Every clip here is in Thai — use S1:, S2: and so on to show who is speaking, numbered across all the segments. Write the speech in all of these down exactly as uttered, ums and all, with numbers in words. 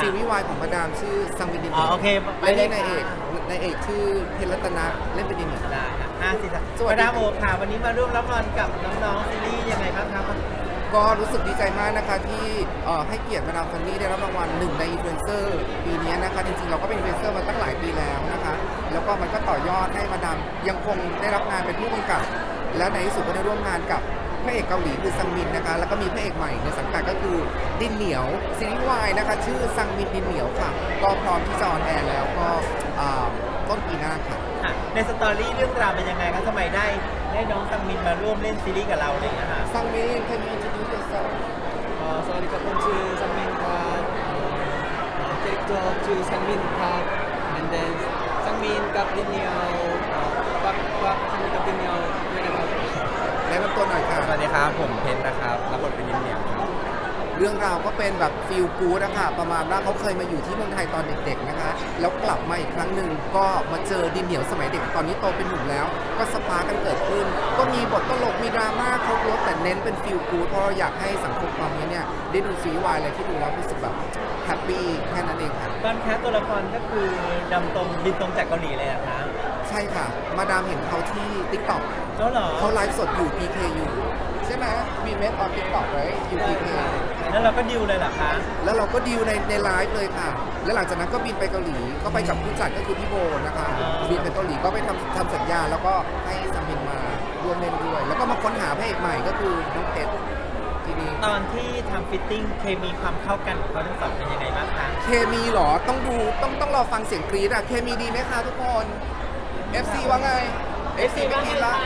S1: ซีรีส์วายของมาดามชื่อซังมินดิน
S2: อ๋อโอเคไป
S1: และ
S2: เล
S1: นี่
S2: ย
S1: นายเอก
S2: ค่ะ
S1: นายเอกชื่อเพชรรัตนะเล่นเป็นยังไง
S2: ได้ค่ะห้าสิบ
S1: สวัสดี
S2: มาดามโอค่ะวันนี้มาร่วมรับรางวัลกับน้องๆซีรีส์ยังไงบ้างครับ
S1: ก็รู้สึกดีใจมากนะคะที่เอ่อให้เกียรติมาดามฟันนี่ได้รับรางวัลหนึ่งในอินฟลูเอนเซอร์ปีนี้นะคะจริงๆเราก็เป็นอินฟลูเอนเซอร์มาตั้งหลายปีแล้วนะคะแล้วก็มันก็ต่อยอดให้มาดามยังคงได้รับงานเป็นผู้กำกับ และในที่สุดก็ได้ร่วมงานกับพระเอกเกาหลีคือซังมินนะคะแล้วก็มีพระเอกใหม่ในสังกัดก็คือดินเหนียวซีรีส์วายนะคะชื่อซังมินดินเหนียวค่ะก็พร้อมที่จะออนแอร์แล้วก็อ่าต้นปีหน้าค่ะ
S2: ค่ะในสตอรี่เรื่องราวเป็นยังไงครับทำไมได้ได้น้องซังมินมาร่วมเล่นซีรีส์กับเราอะไรอย่างเงี้ยค่ะ
S1: ซังมิน can you introduce yourself
S3: Uh, sorry, Kapun to Sangmin Kat, uh, character to Sangmin Kat, and then Sangmin Kap Diniao, uh, Pak Pak Sangmin Kap Diniao, whenever.
S1: แนะนำตัวหน่อยค่ะ
S3: สวัสดีครับ ผมเพนนะครับรับบทเป็นยินเหนียวครับ
S1: เรื่องราวก็เป็นแบบฟีลกู๊ดนะคะประมาณว่าเขาเคยมาอยู่ที่เมืองไทยตอนเด็กๆนะคะแล้วกลับมาอีกครั้งหนึ่งก็มาเจอดินเหนียวสมัยเด็กตอนนี้โตเป็นหนุ่มแล้ว ก็สปาร์กกันเกิดขึ้น ก็มีบทตลกมีดราม่าครบรถแต่เน้นเป็นฟีลกู๊ดเพราะเราอยากให้สังคมตอนนี้เนี่ยได้ดูซีรีส์วายอะไรที่ดูแล้วรู้สึกแบบแฮปปี้แค่นั้นเองค่ะ
S2: ตอนแคสตัวละครก็คือดำตรงบินตรงจากเกาหลีเลยอะคะ
S1: ใช่ค่ะ มาดามเห็นเขาที่ TikTok
S2: แล้วเหรอ
S1: เขาไลฟ์สดอยู่ พี เค อยู่ใช่ไหมมีเมสออน TikTok ไว้อยู่ พี เค
S2: แล้วเราก็ดิวเลยเหรอคะ
S1: แล้วเราก็ดีลในในไลฟ์เลยค่ะ แล้วหลังจากนั้นก็บินไปเกาหลี ก็ไปกับผู้จัดก็คือพี่โบนะคะ บินไปเกาหลีก็ไปทำทำสัญญา แล้วก็ให้ซัมมินมาร่วมเล่นด้วย แล้วก็มาค้นหาพระเอกใหม่ก็คือน้องเพชรทีนี้
S2: ตอนที่ทำฟิตติ้งเคมีความเข้ากันของเขาทั้งสองเป็นยังไงบ้างคะ
S1: เคมีเหรอ ต้องดู ต้องต้องรอฟังเสียงกรี๊ดอะเคมีดีไหมคะทุกคน เอฟ ซี ว่าไง เอฟ ซี ไม่กรี๊ดละ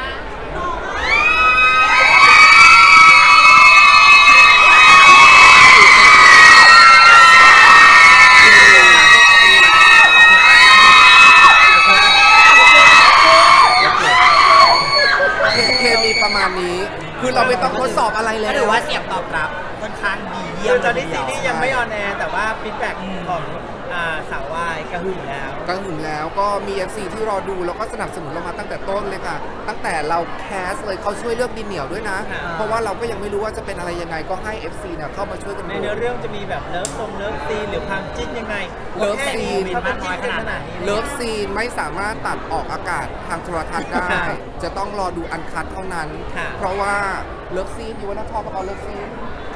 S1: เคมีประมาณนี้ คือเราไม่ต้องทดสอบอะไรแล้ว
S2: หรือว่าเสียงตอบรับค่อนข้างดีเยี่ยมตอนนี้ซีรีส์ยังไม่ออนแอร์แต่ว่าฟีดแบ็กของอ่าสาววายกระหึ่มแล้ว
S1: ก็ถึงแล้วก็มี เอฟ ซี ที่รอดูแล้วก็สนับสนุนเรามาตั้งแต่ต้นเลยค่ะ ตั้งแต่เราแคสเลยเขาช่วยเลือกดินเหนียวด้วยนะ
S2: ค่ะ
S1: เพราะว่าเราก็ยังไม่รู้ว่าจะเป็นอะไรยังไงก็ให้ เอฟ ซี เนี่ยเข้ามาช่วยกัน
S2: ใน
S1: ดู
S2: เนื้อเรื่องจะมีแบบเลิฟทรงเลิฟซีนหรือความจิ้นยังไง
S1: เลิฟซีน
S2: ถ้าเป็นจิ้นกันขนาดนี้
S1: เลิฟซีนไม่สามารถตัดออกอากาศทางโทรทัศน์ได้
S2: ค่ะ
S1: จะต้องรอดูอันคัดเท่านั้น
S2: ค่ะ
S1: เพราะว่าเลิฟซีนอยู่ว่านักทอปเอาเลิฟซีน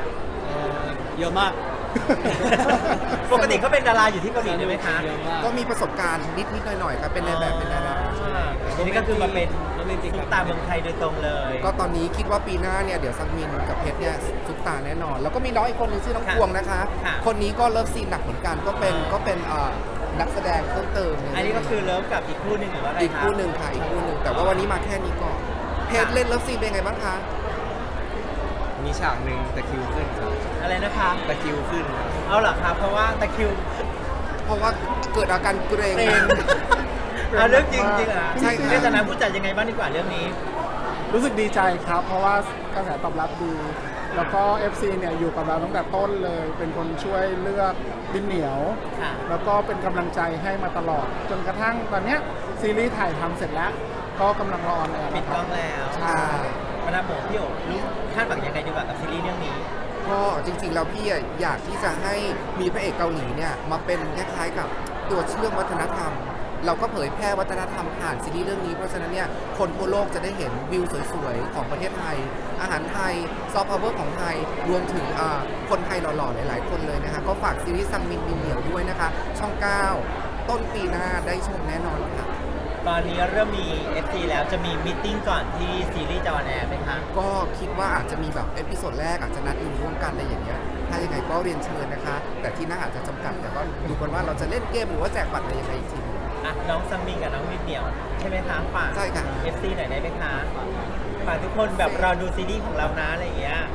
S3: Uh, เยอะมาก
S2: ปกติเขาเป็นดาราอยู่ที่เกาหลีใช่ไหมคะ
S3: เยอะมาก
S1: ก็มีประสบการณ์นิดๆหน่อยๆครับเป็นในแบบเป็นดารา
S2: ทีนี้ก็คือมาเป็น
S3: โรแมนติก
S2: ซุปตาเมืองไทยโดยตรงเลย
S1: ก็ตอนนี้คิดว่าปีหน้าเนี่ยเดี๋ยวซังมินกับเพชรเนี่ยซุปตาแน่นอน แล้วก็มีน้องอีกคนนึงชื่อน้อง
S2: ค่ะ
S1: พวงนะคะ
S2: ค่ะ
S1: คนนี้ก็เลิฟซีนหนักเหมือนกันก็เป็น
S2: อ่า
S1: ก็เป็นเอ่อนักแสดงเพิ่มเติม
S2: อันนี้ก็คือเลิฟกับอีกคู่หนึ่งหรือว่าอะไร
S1: อีก
S2: คะ
S1: คู่หนึ่งค่ะอีกคู่หนึ่งแต่ว่าวันนี้มาแค่นี้ก่อนเพชรเล่นเลิฟซีนเป็นไงบ้างคะ
S3: มีฉากหนึ่งตะคริวขึ้นครับ
S2: อะไรนะคะ
S3: ตะคริวขึ้นครับ
S2: เอาเหรอครับเพราะว่าตะคริว
S1: เพราะว่าเกิดอาการเกรง
S2: เกรง เอาเรื่องจริงจริงๆอ่ะ
S1: ใช่ค่ะ
S2: ในฐานะผู้จัดยังไงบ้างดีกว่าเรื่องนี้
S4: รู้สึกดีใจครับ เพราะว่ากระแสตอบรับดี แล้วก็ เอฟ ซี เนี่ยอยู่กับเราตั้งแต่ต้นเลย เป็นคนช่วยเลือกดินเหนียว
S2: ค่ะ
S4: แล้วก็เป็นกำลังใจให้มาตลอด จนกระทั่งตอนเนี้ยซีรีส์ถ่ายทำเสร็จแล้ว ก็กำลังรอออนแอร์
S2: ปิด
S4: นะค
S2: กล้
S4: รั
S2: อบ งแล้ว
S1: ใช่
S2: มาดามโบพี่โอ๋รู้คาดหวังยังไงดีกว่ากับซีรีส์เรื่องนี้
S1: ก็จริงๆแล้วพี่อะอยากที่จะให้มีพระเอกเกาหลีเนี่ยมาเป็นคล้ายๆกับตัวเชื่อมวัฒนธรรม เราก็เผยแพร่วัฒนธรรมผ่านซีรีส์เรื่องนี้เพราะฉะนั้นเนี่ยคนทั่วโลกจะได้เห็นวิวสวยๆของประเทศไทย อาหารไทยซอฟต์พาวเวอร์ของไทยรวมถึงอ่าคนไทยหล่อๆหลายๆคนเลยนะคะก็ฝากซีรีส์ซังมินดินเหนียวด้วยนะคะ ช่องเก้าต้นปีหน้าได้ชมแน่นอนค่ะ
S2: ตอนนี้เริ่มมี เอฟ ซี แล้วจะมีมตติ팅ก่อนที่ซีรีส์จะออนแอร์ไหมคะ
S1: ก็คิดว่าอาจจะมีแบบเอพิโซดแรกอาจจะนัดดูร่วมกันอะไรอย่างเงี้ย ถ้ายังไงก็เรียนเชิญนะคะ แต่ที่นั่งอาจจะจำกัด แต่ก็ดูกันว่าเราจะเล่นเกมหรือว่าแจกบัตรอะไรยังไงอีกที
S2: อ่ะน้องซัมมิงกับน้องวิดเหนียวใช่ไหมคะฝาก
S1: ใช่ค่ะ
S2: เอฟ ซี หน่อยได้ไหมคะฝากทุกคนแบบรอดูซีรีส์ของเรานะอะไรอย่างเงี้ย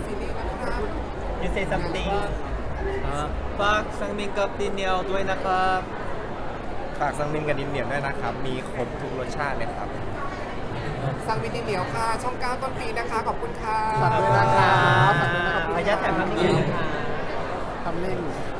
S2: You say something
S3: อ่าฝากซังมินกับดินเหนียวด้วยนะครับ ฝากซังมินกับดินเหนียวด้วยนะครับ มีครบทุกรสชาติเลยครับ
S1: สั่งวินดินเหนียวค่ะ ช่องเก้าต้นปีนะคะ ขอบคุณค่ะ
S4: ฝากด้วยนะครับฝากด้วยนะครับ
S2: ขออนุญาตถ่ายภาพนิ่งนะคะ
S4: ทำเล่น